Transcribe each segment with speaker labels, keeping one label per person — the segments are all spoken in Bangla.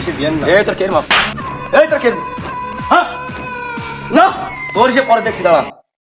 Speaker 1: এই তোর কের মাপ, এই তোর কের, হ্যাঁ না তোর সে পরে দেখছি দাঁড়া।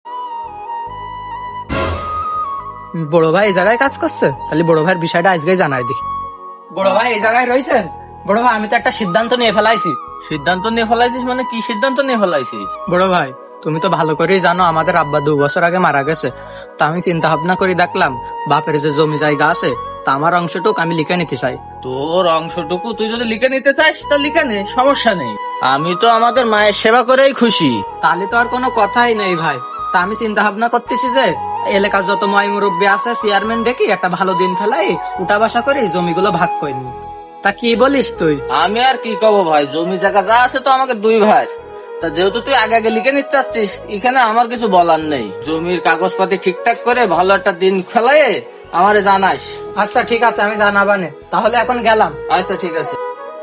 Speaker 2: বড় ভাই এই জায়গায় কাজ করছে, তাহলে বড় ভাইয়ের বিষয়টা আজকে জানাই দিই। বড় ভাই এই জায়গায় রয়েছেন? বড় ভাই আমি তো একটা সিদ্ধান্ত নিয়ে ফেলাইছি।
Speaker 3: সিদ্ধান্ত নিয়ে ফেলাইছিস মানে কি সিদ্ধান্ত নিয়ে ফেলাইছিস?
Speaker 2: বড় ভাই তুমি তো ভালো করেই জানো আমাদের আব্বা 2 বছর আগে মারা গেছে। তা আমি চিন্তা ভাবনা করে দেখলাম বাপের যে জমি জায়গা আছে তা আমার অংশটুক আমি লিখে নিতে চাই।
Speaker 3: তোর অংশটুকু তুই যদি লিখে নিতে চাস তা লিখে নে, সমস্যা নেই। আমি তো আমাদের মায়ের সেবা করেই খুশি।
Speaker 2: তাহলে তো আর কোনো কথাই নেই ভাই। তা আমি চিন্তা ভাবনা করতেছি যে এলাকার যত ময় মুরব্বী আছে চেয়ারম্যান ডেকে একটা ভালো দিন ফেলাই উঠা বসা করে এই জমিগুলো ভাগ করে নি। তা কি বলিস তুই?
Speaker 3: আমি আর কি কব ভাই, জমি জায়গা যা আছে তো আমাকে 2 ভাই। তা যেহেতু তুই আগে আগে লিখে নিতে চাচ্ছিস, এখানে আমার কিছু বলার নেই। জমির কাগজপাতি ঠিকঠাক করে ভালো একটা দিন ফেলাই আমারে জানাস।
Speaker 2: আচ্ছা ঠিক আছে আমি জানাবানে, তাহলে এখন গেলাম।
Speaker 3: আচ্ছা ঠিক আছে।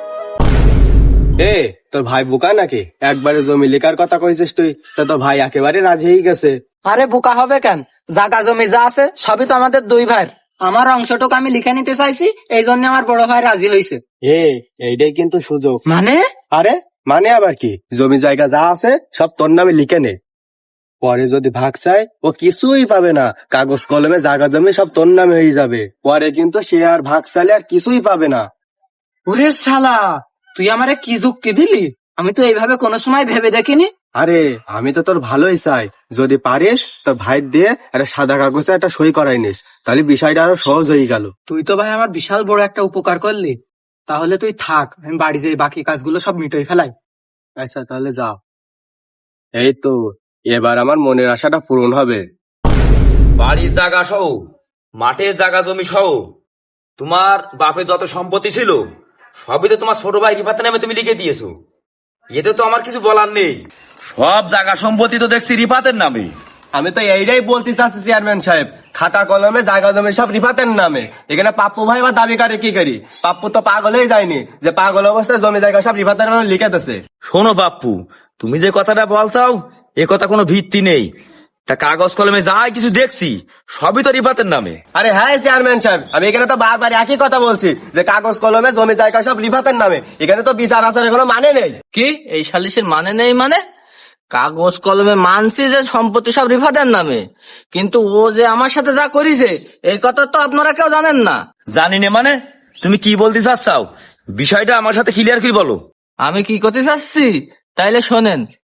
Speaker 1: এ তোর ভাই বোকা নাকি? একবারে জমি লেখার কথা কইছিস তুই, তা তোর ভাই একেবারে রাজি হয়ে গেছে।
Speaker 2: আরে বোকা হবে কেন, জায়গা জমি যা আছে সবই তো আমাদের 2 ভাইয়ের। আমার অংশটুকু আমি লিখে নিতে চাইছি, এই জন্য আমার বড় ভাই রাজি হয়েছে।
Speaker 1: এইটাই কিন্তু সুযোগ।
Speaker 2: মানে?
Speaker 1: আরে মানে আবার কি, জমি জায়গা যা আছে সব তোর নামে লিখে নে। পরে যদি ভাগ চায় ও কিছুই পাবে না, কাগজ কলমে জায়গা জমি সব তোর নামে হয়ে যাবে। পরে কিন্তু সে আর ভাগ চাইলে আর কিছুই পাবে না।
Speaker 2: ওরে শালা, তুই আমারে কি যুক্তি দিলি? আমি তো এইভাবে কোনো সময় ভেবে দেখিনি।
Speaker 1: আরে আমি তো তোর ভালোই চাই, যদি পারিস তোর ভাই দিয়ে একটা সাদা কাগজে একটা সই করাই নিস, তাহলে বিষয়টা আরো সহজ হয়ে গেল।
Speaker 2: তুই তো ভাই আমার বিশাল বড় একটা উপকার করলি। তাহলে তুই থাক, আমি বাড়ি যেয়ে বাকি কাজগুলো সব মিটাই ফেলাই।
Speaker 1: আচ্ছা তাহলে যাও। এই তো এবার আমার মনের আশাটা পূরণ হবে।
Speaker 4: বাড়ির জায়গা সহ, মাঠের জায়গা জমি সহ, তোমার বাপের যত সম্পত্তি ছিল সবই তো তোমার ছোট ভাই রিফাতের নামে তুমি লিখে দিয়েছো। এতে তো আমার কিছু বলার নেই, সব জায়গা সম্পত্তি তো দেখছি রিফাতের নামে।
Speaker 1: আমি তো এইটাই বলতে চাচ্ছি চেয়ারম্যান সাহেব, খাতা কলমে জায়গা জমি সব রিফাতের নামে। এখানে পাপ্পু ভাই বা দাবি করে কি করি? পাপ্পু তো পাগল হয়ে যায়নি যে পাগল অবস্থায় জমি জায়গা সব রিফাতের নামে লিখে দিছে।
Speaker 4: শোনো বাপ্পু, তুমি যে কথাটা বলছাও এ কথা কোনো ভিত্তি নেই। তা কাগজ কলমে যাই কিছু দেখছি সবই তো রিফাতের নামে।
Speaker 1: আরে হ্যাঁ চেয়ারম্যান সাহেব, আমি এখানে তো বারবার একই কথা বলছি যে কাগজ কলমে জমি জায়গা সব রিফাতের নামে। এখানে তো বিচার আচারের কোনো মানে নেই।
Speaker 3: কি এই সালিশের মানে নেই মানে? কাগজ কলমে মানছি যে সম্পত্তি সব রিফাতের নামে, কিন্তু ও যে আমার সাথে যা করেছে এই কথা তো আপনারা কেউ জানেন না।
Speaker 4: জানি না মানে? তুমি কি বলতে চাচ্ছাও বিষয়টা আমার সাথে ক্লিয়ার করে বলো।
Speaker 3: আমি কি করতে চাচ্ছি তাইলে শোনেন।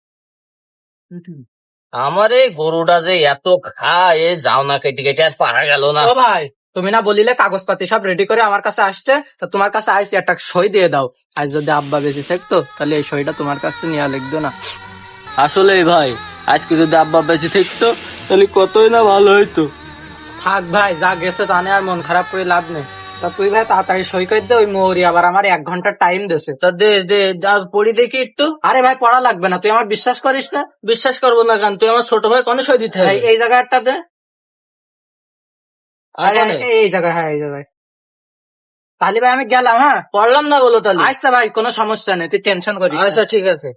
Speaker 3: আমার এই গরুটা যে এত খায়, যাও না কেটে কেটে আর পারা গেল না।
Speaker 2: ও ভাই, তুমি না বলিলে কাগজপাতি সব রেডি করে আমার কাছে আসতে, তা তোমার কাছে আইসি, একটা সই দিয়ে দাও। আজ যদি আব্বা বেঁচে থাকতো তাহলে এই সইটা তোমার কাছ থেকে নিয়ে লিখতো না।
Speaker 3: আসলে ভাই আজকে যদি আব্বা বেঁচে থাকতো তাহলে কতই না ভালো হইতো।
Speaker 2: থাক ভাই, যা গেছে তা নিয়ে আর মন খারাপ করে লাভ নেই। তা তুই ভাই তাড়াতাড়ি সই করে দে, ওই মৌরি আবার আমার 1 ঘন্টা টাইম দিছে।
Speaker 3: তা দে দে, যা পড়ি দেখি একটু।
Speaker 2: আরে ভাই পড়া লাগবে না, তুই আমার বিশ্বাস করিস না?
Speaker 3: বিশ্বাস করবো না কেন? তুই আমার ছোট ভাই, কোন সই দিতে হবে?
Speaker 2: এই জায়গাটা দে। আরে
Speaker 3: কোনে?
Speaker 2: এই জায়গায়, হ্যাঁ এই জায়গায়। তাহলে ভাই আমি গেলাম। হ্যাঁ
Speaker 3: পড়লাম না বলো তাহলে।
Speaker 2: আচ্ছা ভাই, কোনো সমস্যা নেই, তুই টেনশন করিস না।
Speaker 3: আচ্ছা ঠিক আছে।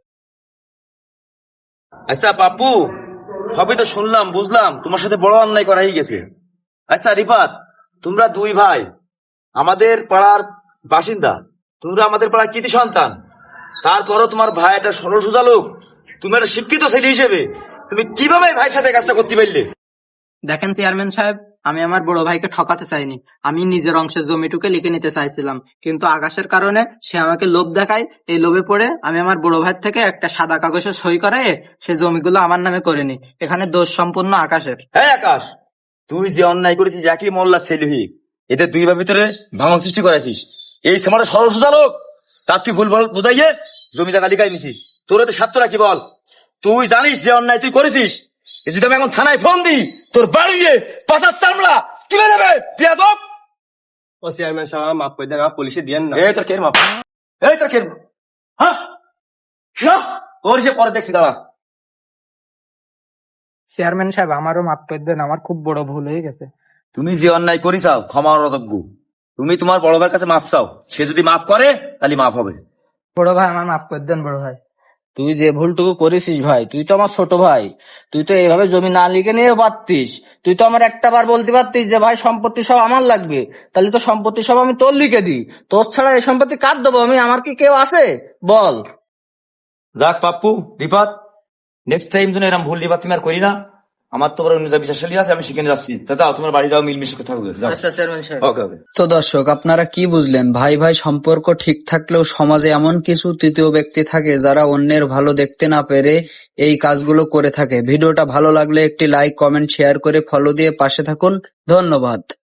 Speaker 4: আচ্ছা পাপ্পু, সবই তো শুনলাম বুঝলাম, তোমার সাথে বড় অন্যায় করা হয়ে গেছে। আচ্ছা রিফাত, তোমরা 2 ভাই আমাদের পাড়ার বাসিন্দা, তোমরা আমাদের পাড়ার কৃতি সন্তান, তারপরও তোমার ভাই একটা সরল সোজা লোক, তুমি একটা শিক্ষিত ছেলে হিসেবে তুমি কিভাবে ভাইয়ের সাথে কাজটা করতে পারলে?
Speaker 2: দেখেন চেয়ারম্যান সাহেব, আমি আমার বড় ভাইকে ঠকাতে চাইনি। আমি নিজের অংশের জমিটুকে লিখে নিতে চাইছিলাম, কিন্তু আকাশের কারণে সে আমাকে লোভ দেখায়। এই লোভে পড়ে আমি আমার বড় ভাইয়ের থেকে একটা সাদা কাগজে সই করায় সে জমিগুলো আমার নামে করে নি। এখানে দোষ সম্পূর্ণ আকাশের।
Speaker 4: হ্যাঁ আকাশ, তুই যে অন্যায় করেছিস একই মোল্লা ছেলে হয়ে, এতে 2 ভাইয়ের ভিতরে ভাঙন সৃষ্টি করেছিস। এই সমাজে সরল সোজা লোক, তার তুই ভুল বুঝাইয়ে জমি জায়গা লিখাই নিছিস। তোর এতে স্বার্থ রাখি বল? তুই জানিস যে অন্যায় তুই করেছিস। এই যদি আমি এখন থানায় ফোন দিই, তোর বাড়ি গিয়ে পাতার চামড়া তুলে দেবে পিয়াদব।
Speaker 1: ও চেয়ারম্যান সাহেব মাফ করে দেন, পুলিশে দিয়েন না।
Speaker 4: এই তোর কের মাপ, এই তোর কের, হ্যাঁ তোর সে পরে দেখছি দাঁড়া।
Speaker 2: চেয়ারম্যান সাহেব আমারও মাফ করে দেন, আমার খুব বড় ভুল হয়ে গেছে।
Speaker 4: তুমি যে অন্যায় করিসাও ক্ষমা অযোগ্য। তুমি তোমার বড় ভাইয়ের কাছে মাফ চাও, সে যদি মাফ করে তাহলে মাফ হবে।
Speaker 2: বড় ভাই আমার মাফ করে দেন বড় ভাই।
Speaker 3: তুই যে ভুলটুকু করেছিস ভাই, তুই তো আমার ছোট ভাই, তুই তো এইভাবে জমি না লিখে নিয়ে পারতিস। তুই তো আমার একটা বার বলতে পারতিস যে ভাই সম্পত্তি সব আমার লাগবে, তাহলে তো সম্পত্তি সব আমি তোর লিখে দিই। তোর ছাড়া এই সম্পত্তি কার দেবো আমি? আমার কি কেউ আছে বল?
Speaker 4: রাখ পাপ্পু, রিপাত, নেক্সট টাইম যেন এরকম ভুল রিপাত তুমি আর করি না। আমার তো বড় বিশ্বাসী আছে, আমি সেখানে যাচ্ছি। তা যাও, তোমার বাড়ি যাও, মিলমিশে থাকবে।
Speaker 3: আচ্ছা চেয়ারম্যান সাহেব।
Speaker 4: ওকে ওকে।
Speaker 2: তো দর্শক, আপনারা কি বুঝলেন? ভাই ভাই সম্পর্ক ঠিক থাকলেও সমাজে এমন কিছু তৃতীয় ব্যক্তি থাকে যারা অন্যের ভালো দেখতে না পেরে এই কাজগুলো করে থাকে। ভিডিওটা ভালো লাগলে একটি লাইক, কমেন্ট, শেয়ার করে ফলো দিয়ে পাশে থাকুন। ধন্যবাদ।